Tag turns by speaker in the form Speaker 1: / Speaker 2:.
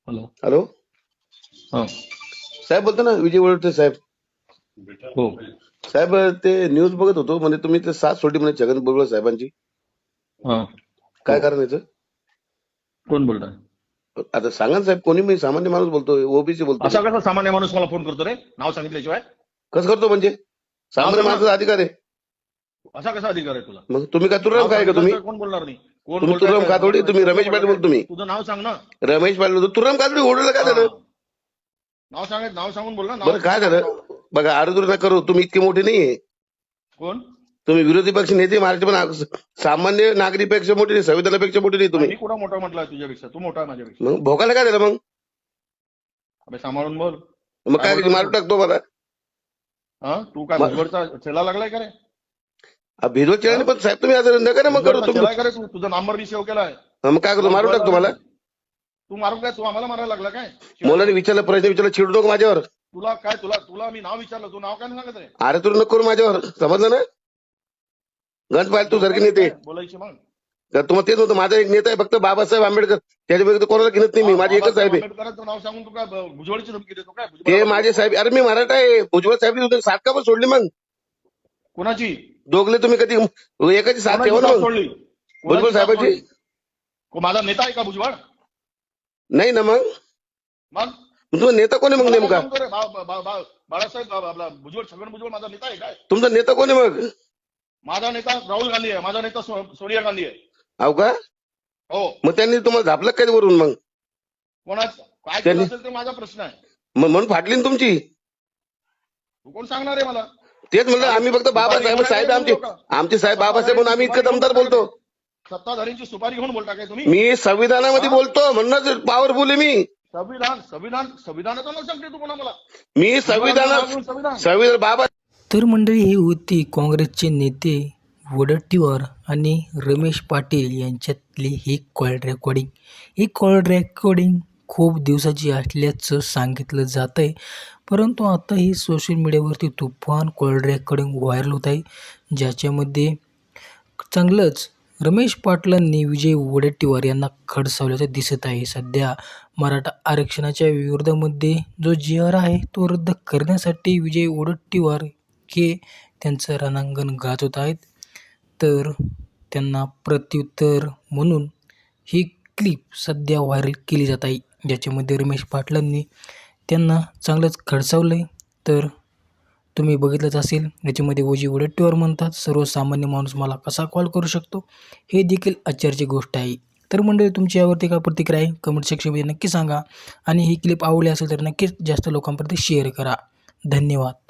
Speaker 1: Hello.
Speaker 2: Hello
Speaker 1: हां.
Speaker 2: साहेब बोलतो ना, विजय वळवटे साहेब.
Speaker 1: हो.
Speaker 2: साहेब ते न्यूज बघत होतो, म्हणजे तुम्ही ते साथ सोडली म्हणे छगन भुजबळ साहेबांची.
Speaker 1: हां.
Speaker 2: काय
Speaker 1: हो.
Speaker 2: कारण याचं?
Speaker 1: कोण बोलताय?
Speaker 2: आता सांगा ना साहेब, कोणी, मी सामान्य माणूस बोलतोय, ओबीसी बोलतो मी.
Speaker 1: असा कसा सामान्य माणूस मला फोन करतो रे, नाव सांगितल्याशिवाय?
Speaker 2: कसं करतो म्हणजे?
Speaker 1: नाव
Speaker 2: सामान्य
Speaker 1: सांग ना.
Speaker 2: माणसाचा अधिकार आहे.
Speaker 1: असा कसा अधिकार आहे तुला?
Speaker 2: मग तुम्ही काय तुराम
Speaker 1: नाव
Speaker 2: काय का तुम्ही?
Speaker 1: सांगितल्याशिवाय कोण बोलणार नाही? कोण
Speaker 2: तुम्ही
Speaker 1: बोलताय
Speaker 2: तुराम
Speaker 1: काय? मला
Speaker 2: कातोडी, तुम्ही
Speaker 1: प्रश्न
Speaker 2: रमेश
Speaker 1: पडला
Speaker 2: पाटील
Speaker 1: काय?
Speaker 2: बोलतो तुम्ही.
Speaker 1: तुझं नाव सांग ना.
Speaker 2: रमेश पाटील बोलतो, तुराम कातोडी ओढलं काय झालं?
Speaker 1: नाव सांग, नाव सांगून बोल ना.
Speaker 2: बरं काय झालं? बघा, आरोग्य नका करू, तुम्ही इतके मोठे नाहीये.
Speaker 1: कोण?
Speaker 2: तुम्ही विरोधी पक्ष नेते महाराष्ट्र, पण सामान्य नागरिकपेक्षा मोठे नाही, संविधानापेक्षा मोठे नाही तुम्ही.
Speaker 1: मी कुठं मोठा म्हटलं तुझ्यापेक्षा? तू मोठा आहे माझ्यापेक्षा.
Speaker 2: मग भोगायला काय झालं मग?
Speaker 1: अबे सांभाळून बोल.
Speaker 2: मग काय मारून टाकतो मला?
Speaker 1: हा, तू काय भुजबळचा चेला लागलाय का रे?
Speaker 2: भिजवत चेहरा, पण साहेब तुम्ही असं नका ना मग करू
Speaker 1: भुजबळचा
Speaker 2: तुम्ही.
Speaker 1: चेला आहे का रे तू? तुझा नंबर मी सेव्ह केलाय.
Speaker 2: मग काय करतो, मारून टाकतो मला?
Speaker 1: तू मारू काय? तू आम्हाला मारायला लागला काय?
Speaker 2: मुलाने विचारलं, प्रश्न विचारला, चिडू नको माझ्यावर.
Speaker 1: तुला काय, तुला मी नाव विचारलं, तू नाव काय नाही सांगत रे?
Speaker 2: अरे तू नको करू माझ्यावर, समजलं ना? गंज पाहिजे तू सारखे नेते.
Speaker 1: बोलायची मग.
Speaker 2: तर तुम्हाला तेच होतं, माझा एक नेता आहे फक्त बाबासाहेब आंबेडकर, त्याच्या व्यतिरिक्त कोणाला घेत नाही मी, माझी एकच साहेब आहे.
Speaker 1: आंबेडकरांचं नाव सांगून तू काय भुजबळची धमकी देतो काय?
Speaker 2: ते माझे साहेब. अरे मी मराठा आहे, भुजबळ साहेब साथ का पण सोडली मग?
Speaker 1: कोणाची?
Speaker 2: दोघले तुम्ही कधी एकाची साथ ठेवा ना मग.
Speaker 1: सोडली?
Speaker 2: भुजबळ साहेबांची.
Speaker 1: माझा नेता आहे का भुजबळ?
Speaker 2: नाही ना मग.
Speaker 1: मग
Speaker 2: तुमचा नेता कोण आहे मग नेमका?
Speaker 1: बाळासाहेब आपला भुजबळ, छगन भुजबळ माझा नेता आहे काय?
Speaker 2: तुमचा नेता कोण आहे मग?
Speaker 1: माझा नेता राहुल गांधी आहे. माझा नेता सोनिया गांधी आहे.
Speaker 2: हो का?
Speaker 1: हो.
Speaker 2: मग त्यांनी तुम्हाला झापलं काय वरून मग?
Speaker 1: कोणाचं काय केलं असेल ते माझा प्रश्न आहे.
Speaker 2: मग म्हणून फाटली ना तुमची.
Speaker 1: तू कोण सांगणार आहे मला?
Speaker 2: तेच म्हणलं, आम्ही फक्त बाबासाहेब साहेब आमचे साहेब बाबासाहेब म्हणून आम्ही इतकं दमदार बोलतो.
Speaker 1: सत्ताधारींची सुपारी घेऊन बोलता काय तुम्ही?
Speaker 2: मी संविधानामध्ये बोलतो, म्हणूनच पॉवरफुल आहे मी.
Speaker 1: संविधानाचं नाव सांगते तू कोणा मला?
Speaker 2: मी संविधान बाबा.
Speaker 3: तर मंडळी, ही होती काँग्रेसचे नेते वडट्टीवार आणि रमेश पाटील यांच्यातली ही कॉल रेकॉर्डिंग. ही कॉल रेकॉर्डिंग खूप दिवसाची असल्याचं सांगितलं जात आहे, परंतु आता ही सोशल मीडियावरती तुफान कॉल रेकॉर्डिंग व्हायरल होत आहे, ज्याच्यामध्ये चांगलंच रमेश पाटलांनी विजय वडेट्टीवार यांना खडसावल्याचं दिसत आहे. सध्या मराठा आरक्षणाच्या विरोधामध्ये जो GR आहे तो रद्द करण्यासाठी विजय वडेट्टीवार हे त्यांचं रणांगण गाजवत आहेत. तर त्यांना प्रत्युत्तर म्हणून ही क्लिप सध्या व्हायरल केली जात आहे, ज्याच्यामध्ये रमेश पाटलांनी त्यांना चांगलंच खडसावलं आहे. तर तुम्ही बघितलंच असेल, याच्यामध्ये विजय वडेट्टीवार म्हणतात, सर्वसामान्य माणूस मला कसा कॉल करू शकतो, हे देखील आश्चर्याची गोष्ट आहे. तर मंडळी, तुमची यावरती काय प्रतिक्रिया आहे कमेंट सेक्शनमध्ये नक्की सांगा, आणि ही क्लिप आवडली असेल तर नक्कीच जास्त लोकांपर्यंत शेअर करा. धन्यवाद.